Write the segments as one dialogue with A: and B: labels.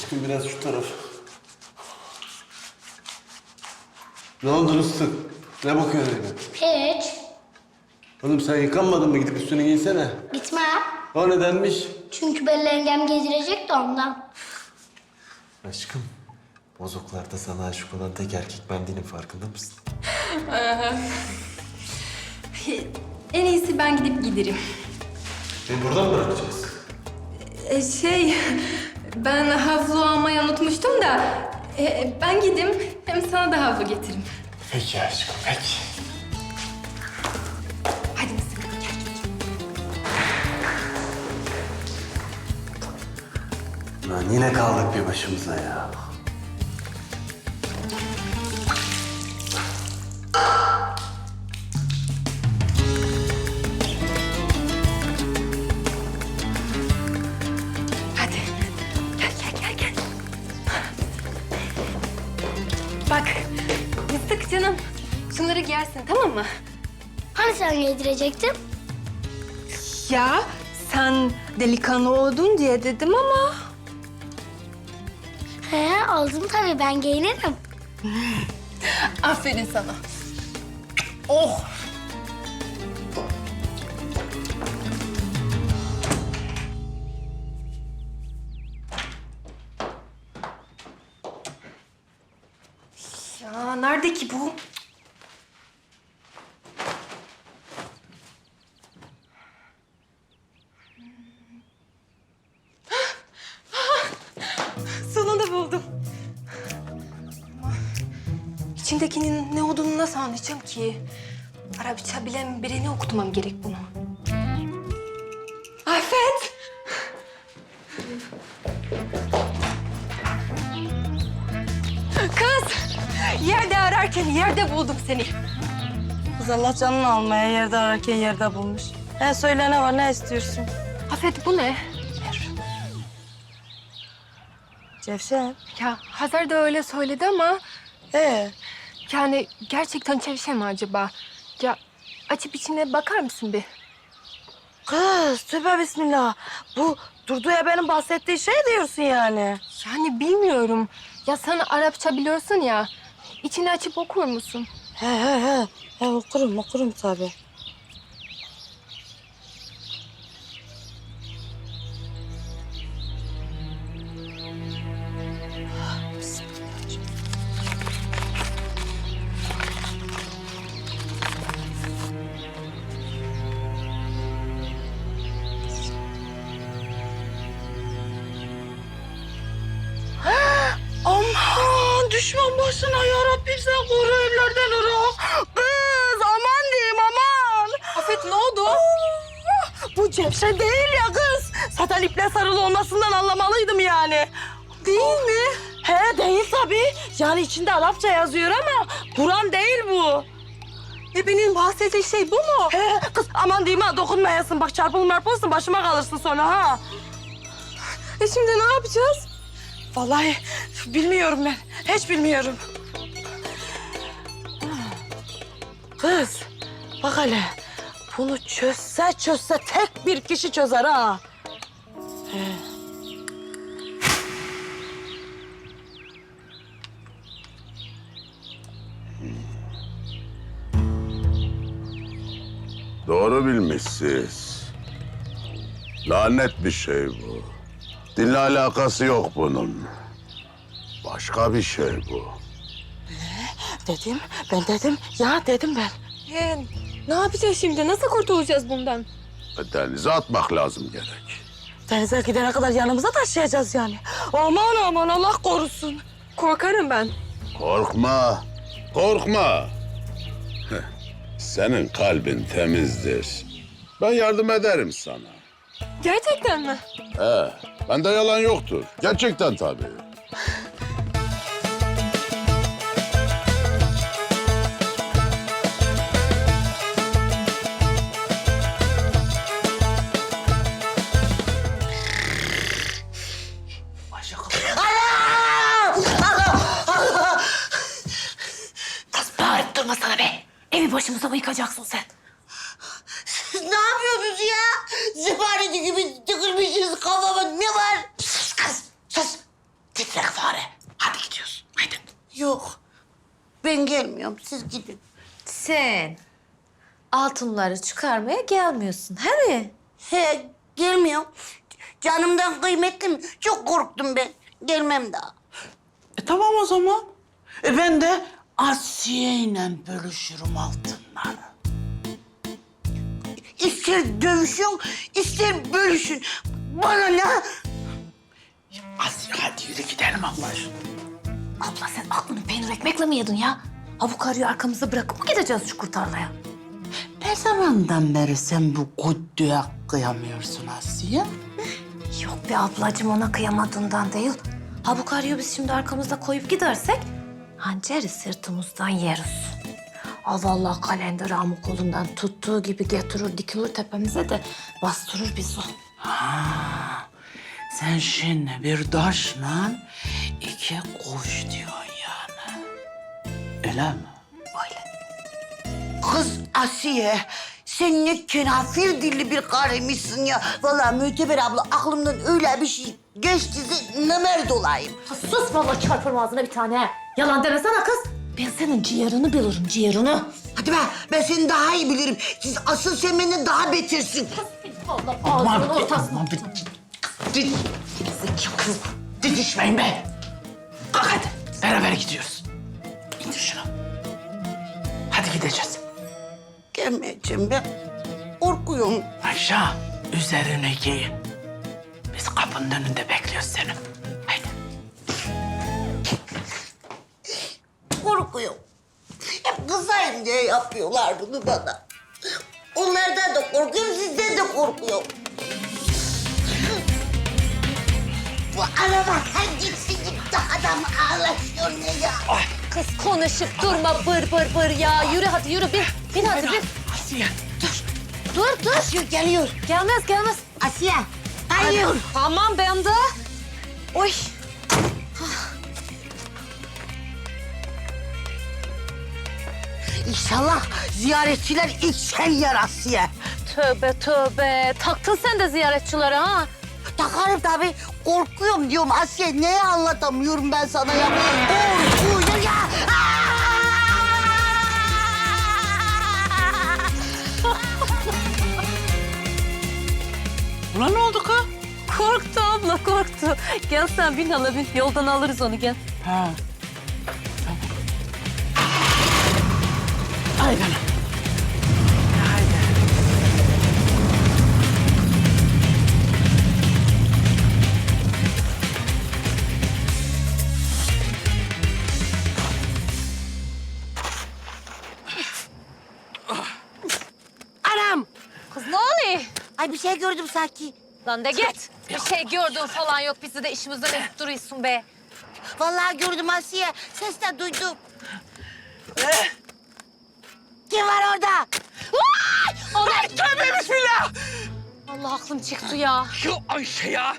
A: Aşkım biraz şu taraf. Ne oldu Rıstık? Ne bakıyorsun öyle?
B: Hiç.
A: Oğlum sen yıkanmadın mı? Gidip üstünü giysene.
B: Gitmem.
A: O nedenmiş?
B: Çünkü Belli yengem gezdirecek de ondan.
A: Aşkım, bozoklarda sana aşık olan tek erkek ben değilim, farkında mısın?
C: En iyisi ben gidip giderim.
A: Beni buradan mı bırakacağız?
C: Ben havlu almayı unutmuştum da ben gideyim hem sana da havlu getiririm.
A: Peki aşkım, peki.
C: Hadi mısın? Gel.
A: Lan yine kaldık bir başımıza ya.
C: Hadi. Gel. Bak, Mıstık canım. Şunları giyersin, tamam mı?
B: Hani sen gezdirecektin?
C: Ya sen delikanlı oldun diye dedim ama...
B: He, oldum tabii, ben giyinirim.
C: Aferin sana. Oh! Ya nerede ki bu? Sonunda buldum. Ama içindekinin ne olduğunu nasıl anlayacağım ki? Arapça bilen birine okutmam gerek bunu. Afet! Kız! Yerde ararken yerde buldum seni.
D: Kız Allah canını almaya yerde ararken yerde bulmuş. Söyle ne var, ne istiyorsun?
C: Afet bu ne?
D: Cevşen.
C: Ya Hazar da öyle söyledi ama
D: Ee,
C: yani gerçekten çevşe mi acaba? Ya açıp içine bakar mısın bir?
D: kız tövbe bismillah. Bu Durdu'ya benim bahsettiği şey diyorsun yani.
C: Yani bilmiyorum. Ya sen Arapça biliyorsun ya. İçini açıp okur musun?
D: He. Okurum tabii. Aman düşman başına ya Rabbim, sen koru evlerden ırak. Kız aman diyeyim aman.
C: Afet ne oldu?
D: Bu Cevşen değil ya kız. Zaten iple sarılı olmasından anlamalıydım yani.
C: Değil mi?
D: He değil tabii. Yani içinde Arapça yazıyor ama Kur'an değil bu.
C: Benim bahsettiği şey bu mu?
D: He kız aman diyeyim ha, dokunmayasın. Bak çarpılırsın başıma kalırsın sonra ha.
C: Şimdi ne yapacağız?
D: Vallahi bilmiyorum ben. Hiç bilmiyorum. Kız bak hele. Bunu çözse tek bir kişi çözer ha.
E: Doğru bilmişsiniz. Lanet bir şey bu. Dinle alakası yok bunun. Başka bir şey bu.
D: Dedim ben.
C: Ne yapacağız şimdi? Nasıl kurtulacağız bundan?
E: Denize atmak lazım gerek.
D: Denize gidene kadar yanımıza taşıyacağız yani. Aman Allah korusun.
C: Korkarım ben.
E: Korkma. Heh, senin kalbin temizdir. Ben yardım ederim sana.
C: Gerçekten mi?
E: Bende yalan yoktur. Gerçekten tabii.
D: Kız bağırıp durma sana be. Evi başımıza mı yıkacaksın sen?
F: Ne yapıyorsunuz ya? Zıpareti gibi tıkılmışız kafama. Ne var? Sus kız, sus. Ben gelmiyorum. Siz gidin.
C: Sen altınları çıkarmaya gelmiyorsun, he mi?
F: He, gelmiyorum. Canımdan kıymetli mi? Çok korktum ben. Gelmem daha.
G: Tamam o zaman. Ben de Asiye ile bölüşürüm altınları.
F: İster dövüşün, ister bölüşün. Bana ne?
G: Asiye hadi yürü gidelim Allah aşkına.
C: Abla sen aklını peynir ekmekle mi yedin ya? Ha bu karıyı arkamızda bırakıp mı gideceğiz şu kurtarmaya?
G: Ne zamandan beri sen bu güddüğe kıyamıyorsun Asiye?
C: Yok be ablacığım, ona kıyamadığından değil. Ha bu karıyı biz şimdi arkamızda koyup gidersek hançeri sırtımızdan yeriz. Aa vallahi kalender amı kolundan tuttuğu gibi getirir dikilir tepemize de bastırır bizi.
G: Sen şimdi bir taşla iki kuş diyorsun yani. Öyle mi?
C: Öyle.
F: Kız Asiye, sen ne kenafir dilli bir karıymışsın ya. Vallahi Müteber abla aklımdan öyle bir şey geçtiyse nemer dolayım.
C: Ha, sus vallahi çarpırım ağzına bir tane. Yalan demesene kız. Ben senin ciğerini bilirim, ciğerini.
F: Hadi be, ben seni daha iyi bilirim. Siz asıl sen benden daha betersin.
C: Vallahi ağzının ortasına.
G: Didişmeyin be. Kalk hadi. Beraber gidiyoruz. İndir şunu. Hadi gideceğiz.
F: Gelmeyeceğim ben. Korkuyorum.
G: Ayşe, üzerine giyin. Biz kapının önünde bekliyoruz seni. Haydi.
F: Korkuyorum. Hep kızayım diye yapıyorlar bunu bana. Onlardan da korkuyorum, sizden de korkuyorum. Bu araba sen gitsin gitti adam ağlaşıyor ne ya?
C: Kız konuşup durma bır ya. Yürü hadi yürü bin hadi bin.
G: Asiye.
C: Dur.
F: Asiye geliyor.
C: Gelmez.
F: Asiye, hayır.
C: Tamam ben de. Oy.
F: İnşallah ziyaretçiler ilk sen yer Asiye.
C: Tövbe. Taktın sen de ziyaretçilere ha.
F: Takarım tabii. Korkuyorum diyorum Asiye. Neye anlatamıyorum ben sana ya? Korkuyorum ya.
G: Ulan ne oldu kız?
C: Korktu abla korktu. Gel sen bin hala bin. Yoldan alırız onu gel.
G: Ha. Tamam. Haydi ana. Haydi.
F: Anam.
C: Kız ne oluyor?
F: Ay bir şey gördüm sanki.
C: Lan de git. Bir şey gördün falan yok. Bizi de işimizden edip duruyorsun be.
F: Vallahi gördüm Asiye. Ses de duydum. Kim var orada?
C: Ay
G: Tövbe bismillah.
C: Allah aklım çıktı ya.
G: Şu Ayşe ya.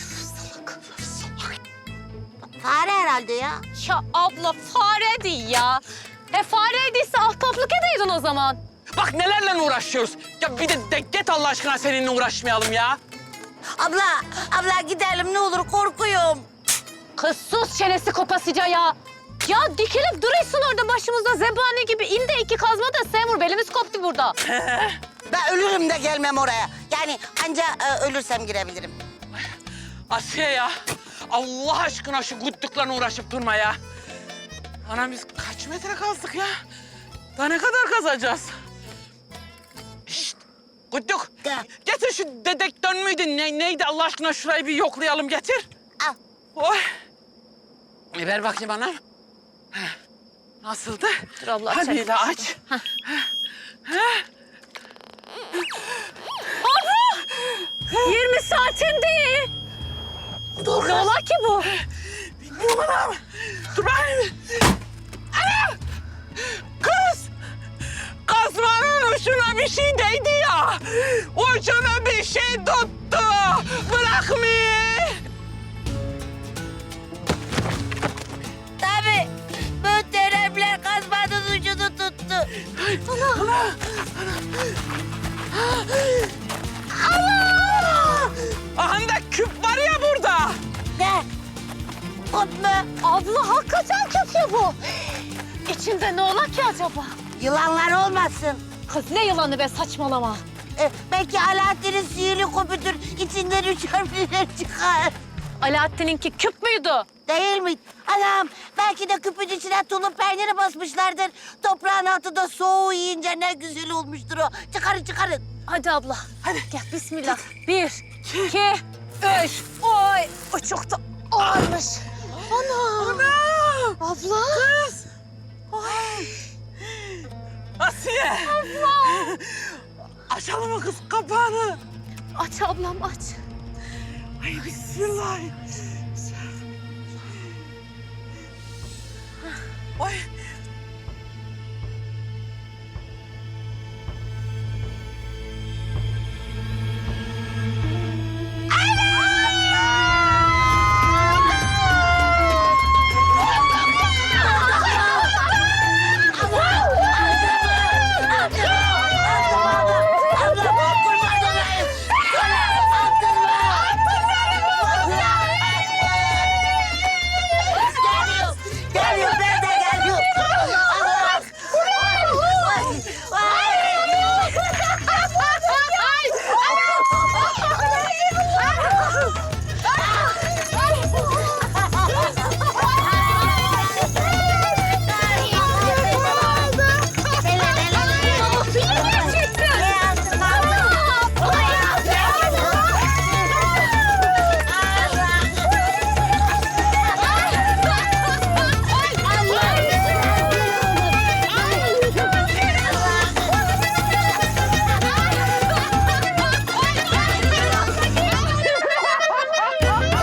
F: Fare herhalde ya.
C: Ya abla fare değil ya. Fareydiyse ahtaplık edeydin o zaman.
H: Bak nelerle uğraşıyoruz. Ya bir de git Allah aşkına seninle uğraşmayalım ya.
F: Abla gidelim ne olur korkuyorum.
C: Kız sus çenesi kopasıca ya. Ya dikilip duruyorsun orada başımızda zebani gibi. İnde iki kazma da sen vur. Belimiz koptu burada.
F: Ben ölürüm de gelmem oraya. Yani anca ölürsem girebilirim.
H: Asiye ya. Allah aşkına şu güttüklerine uğraşıp durma ya. Anam biz kaç metre kazdık ya? Daha ne kadar kazacağız? Şşt! Güttük.
F: Gel.
H: Getir şu dedektör müydü? Neydi Allah aşkına şurayı bir yoklayalım getir.
F: Al.
H: Oy. Ver bakayım bana. Heh. Nasıldı?
C: Dur Allah
H: Hadi
C: çek.
H: de aç.
C: 20 saatin değil.
H: Dur
C: Ne ola ki bu?
H: Bilmiyorum anam. Dur bakayım. Ana! Kız! Kazmanın ucuna bir şey değdi ya. Ucuna bir şey tuttu. Bırakmıyor.
F: Tabii. Muhteremler kazmanın ucunu tuttu.
H: Aha da küp var ya burada.
F: Ne? Kut mu?
C: Abla hakikaten kötü bu. İçinde ne ola ki acaba?
F: Yılanlar olmasın.
C: Kız ne yılanı be, saçmalama.
F: Belki Alaaddin'in sihirli küpüdür. İçinden 3 harfler çıkar.
C: Alaaddin'inki küp müydü?
F: Değil mi? Anam belki de küpün içine tulum peyniri basmışlardır. Toprağın altında soğuğu yiyince ne güzel olmuştur o. Çıkarın çıkarın.
C: Hadi abla. Hadi gel bismillah. 1, 2, 3. Oy o çok da ağırmış. Ana. Abla.
H: Kız! Asiye! Abla! Açalım mı kız kapağını?
C: Aç ablam aç.
H: Ay bismillah. Ay